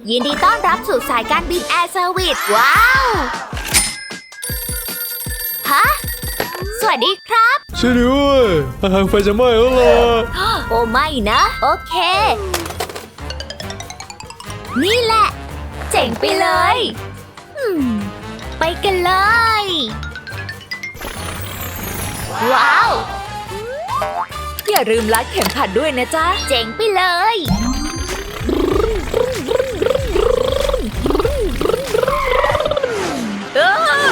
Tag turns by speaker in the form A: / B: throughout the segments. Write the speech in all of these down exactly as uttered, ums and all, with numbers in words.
A: ยินดีต้อนรับสู่สายการบินแอร์เซอร์วิสว้าว ฮะ สวัสดีครับ
B: ช่วยด้วยอาหารไฟจะไหม้แล้วล่ะ
A: โอ้ไม่นะ โอเค นี่แหละ เจ๋งไปเลยอืมไปกันเลย ว้าว
C: อย่าลืมรัดเข็มขัดด้วยนะจ๊ะ
A: เจ๋งไปเลย
C: เออ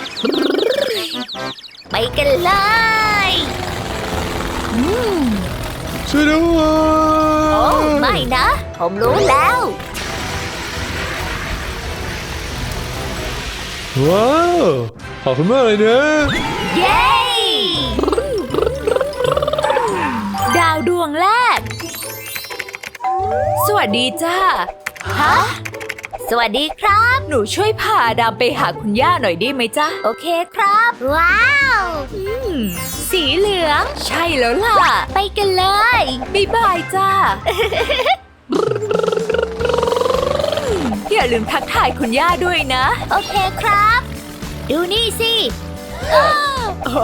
A: ไปกันเลยอืม
B: ช่วยด้วย
A: โอ้ไม่นะ ผมรู้แล้ว
B: ว้าวขอบคุณมากเลยนะ
A: เย้
C: ดาวดวงแรก สวัสดีจ้า
A: ฮะ สวัสดีครับ
C: หนูช่วยพาดำไปหาคุณย่าหน่อยได้ไหมจ๊ะ
A: โอเคครับ ว้าว
C: อืม สีเหลือง ใช่แล้วล่ะ
A: ไปกันเลย
C: บ๊ายบายจ้า อย่าลืมทักทายคุณย่าด้วยนะ
A: โอเคครับ ดูนี่สิ
C: โอ้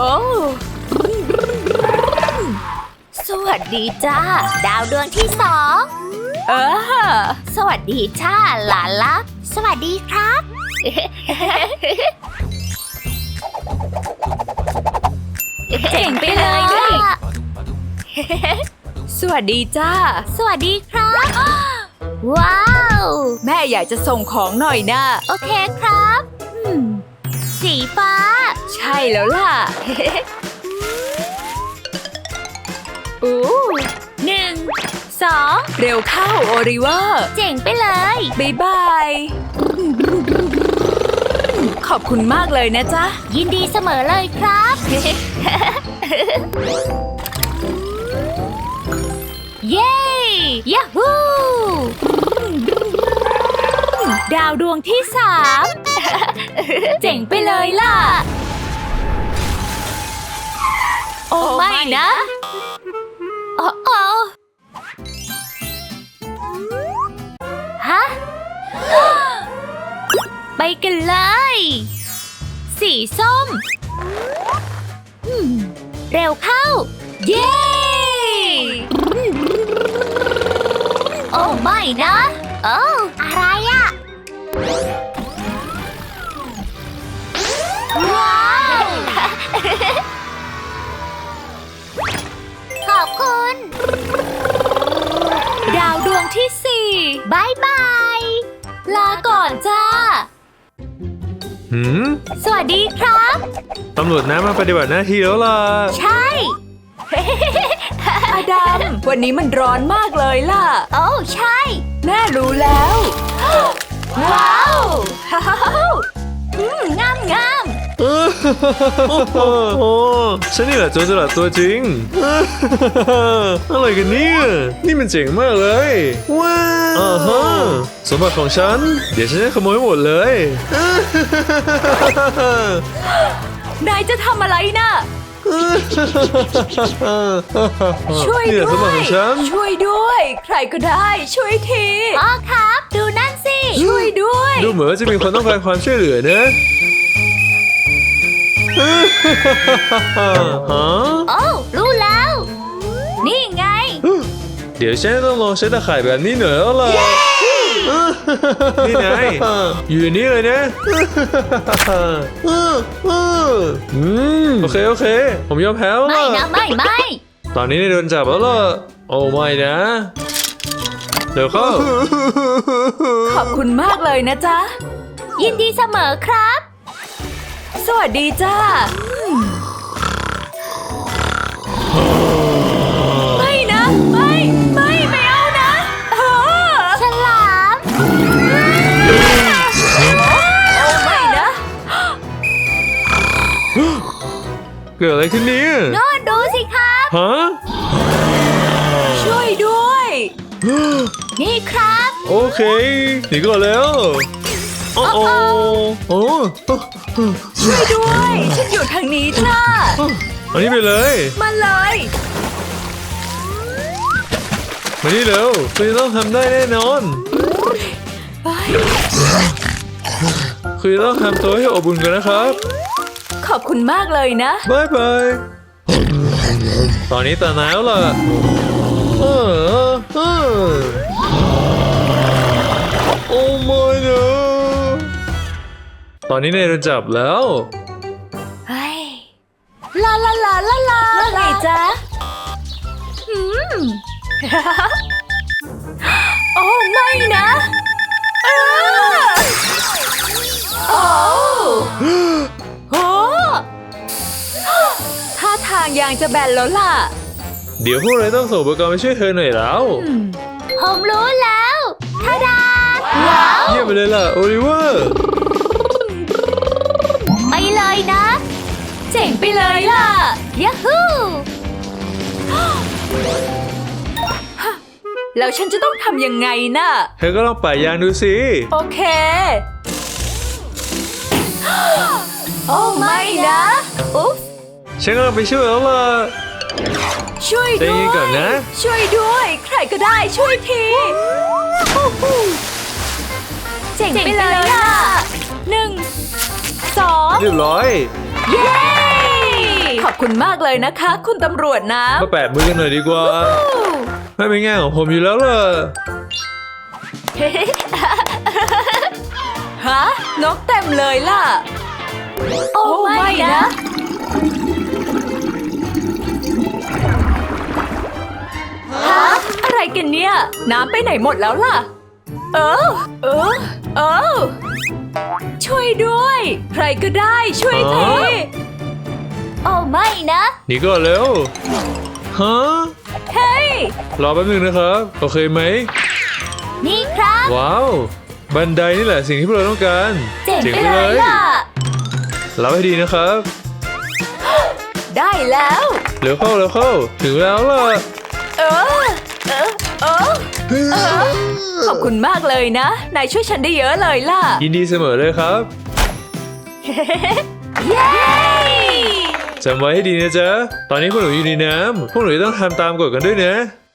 A: สวัสดีจ้า ดาวดวงที่สอง
C: เออ
A: สวัสดีจ้าหลานรัก สวัสดีครับ
C: เจ๋งไปเลยนะ สวัสดีจ้า
A: สวัสดีครับ ว้าว
C: แม่อยากจะส่งของหน่อยนะ
A: โอเคครับอืมสีฟ้า
C: ใช่แล้วล่ะ
A: อู้หนึ่ง สอง
C: เร็วเข้าโอริเวอร์
A: เจ๋งไปเลย
C: บ๊ายบาย ขอบคุณมากเลยนะจ๊ะ
A: ยินดีเสมอเลยครับ เย้ยาฮู
C: ดาวดวงที่สามเจ๋งไปเลยล่ะ โอ้ไม่นะ
A: โอ้โอ้ฮะ ไปกันเลย สีส้มอืมเร็วเข้า เย้ โอ้ไม่นะโอ้อะไรอะว้าว ขอบคุณ
C: ดาวดวงที่สี่
A: บายบาย
C: ลาก่อนจ้า
B: หืม
A: สวัสดีครับ
B: ตำรวจน้ำมาปฏิบัติหน้าที่แล้วล่ะ
A: ใช่
C: อดัม วันนี้มันร้อนมากเลยล่ะ
A: โอ้ใช่
C: แม่รู้แล้ว ว้าว
A: อืมงามงาม
B: โอ้โหฉันนี่แหละโจรสลัดตัวจริง อะไรกันเนี่ย นี่มันเจ๋งมากเลย ว้าวอ่าฮะสมบัติของฉัน เดี๋ยวฉันจะขโมยหมดเลย
C: นายจะทำอะไรน่ะ ช่วย
B: นี่แหละสม
C: ด้
B: บั
C: ว
B: ติข
C: ย
B: องฉัน
C: ช่วยด้วย ใครก็ได้ ช่วยที
A: พ่อครับ ดูนั่นสิ
C: ช่วยด้วย
B: ดูเหมือนว่าจะมีคนต้องการความช่วยเหลือนะ ฮะ
A: โอ้รู้แล้ว นี่ไง
B: เดี๋ยวฉันต้องลองใช้ตะข่ายแบบนี้หน่อยแล้วล่ะ นี่ไงอยู่ในนี้เลยนะ อืมโอเคโอเค ผมยอมแพ้แล้ว
A: ไม่
B: ล่ะ
A: นะไม่ไม่
B: ตอนนี้ได้โดนจับแล้วล่ะ โอ้ไม่นะ เดี๋ยวเข้า
C: ขอบคุณมากเลยนะจ๊ะ
A: ยินดีเสมอครับ
C: สวัสดีจ้า ไม่นะ ไม่ ไม่ ไม่เอานะเออ
A: ฉลาม
C: โอ้ไม่นะ
B: เกิดอะไรขึ้นเนี่ย
A: โน่นดูสิครับ
B: ฮะ
C: ช่วยด้วย
A: นี่ครับ
B: โอเคหนีก่อนแล้วโอ้โอ้โอ้
C: ช่วยด้วย ฉันอยู่ทางนี้จ้า
B: อันนี้ไปเลย
C: มาเลย
B: มานี่เร็วคุณจะต้องทำได้แน่นอน
C: เ
B: คือต้องทำตัวให้อบอุ่นกันนะครับ
C: ขอบคุณมากเลยนะ
B: บายบาย ตอนนี้ตาหนาวล่ะเออเออโอ้ไม่นะตอนนี้นายโดนจับแล้ว
C: เฮ้ย ลาลาลาลาลาว่าไงจ๊ะอืม โอ้ไม่นะอ้าโอ้โหท่าทางยางจะแบนแล้วล่ะ
B: เดี๋ยวพวกเราต้องส่งอุปกรณ์ไปช่วยเธอหน่อยแล้ว
A: ผมรู้แล้วทาดา ว้าว
B: เยี่ยมไปเลยล่ะโอลิเวอร์
A: ไปเลยนะ
C: เจ๋งไปเลยล่ะ
A: ยาฮู
C: แล้วฉันจะต้องทำยังไงน่ะ
B: เธอก็ลองป่ายยางดูสิ
C: โอเค โอ้ไม่นะอุ๊บ
B: ฉันกำลังไปช่วยแล้วล่ะ
C: ช่วย
B: ใจ
C: ด้ว
B: เย็นก่อน
C: ย
B: นะ
C: ช่วยด้วย ใครก็ได้ช่วยที
A: เจ๋ง
C: เจ๋ง
A: ไป
C: ไป
A: เล
C: เลย ย
A: ล่ะ
C: ล่ะหนึ่งสอง
B: เรียบร้อย
C: เย้ ขอบคุณมากเลยนะคะ คุณตำรวจนะ
B: มาแปะมือกันหน่อยดีกว่า ไม่เป็นง่ายของผมอยู่แล้วล่ะ
C: ฮะ นกเต็มเลยล่ะ โอ้ไม่นะ ฮะ อะไรกันเนี่ย น้ำไปไหนหมดแล้วล่ะ เออ เออ เออ ช่วยด้วย ใครก็ได้ช่วยที
B: อ๋อ
A: โอ้ไม่นะ
B: นี่ก็เร็ว ฮะ
C: เฮ้ย
B: รอแป๊บนึงนะครับ โอเคไหม
A: นี่ครับ
B: ว้าว บันไดนี่แหละสิ่งที่พวกเราต้องการ
A: เจ๋งไปเลยล่ะ
B: รับให้ดีนะครับ
C: ได้แล้ว
B: เร็วเข้าเร็วเข้า ถึงแล้วล่ะ
C: เออ เออ เออ เออ ขอบคุณมากเลยนะ นายช่วยฉันได้เยอะเลยล่ะ
B: ยินดีเสมอเลยครับ
C: เย้
B: จำไว้ให้ดีนะจ๊ะ ตอนนี้พวกหนูอยู่ในน้ำ พวกหนูจะต้องทำตามกฎกันด้วยนะ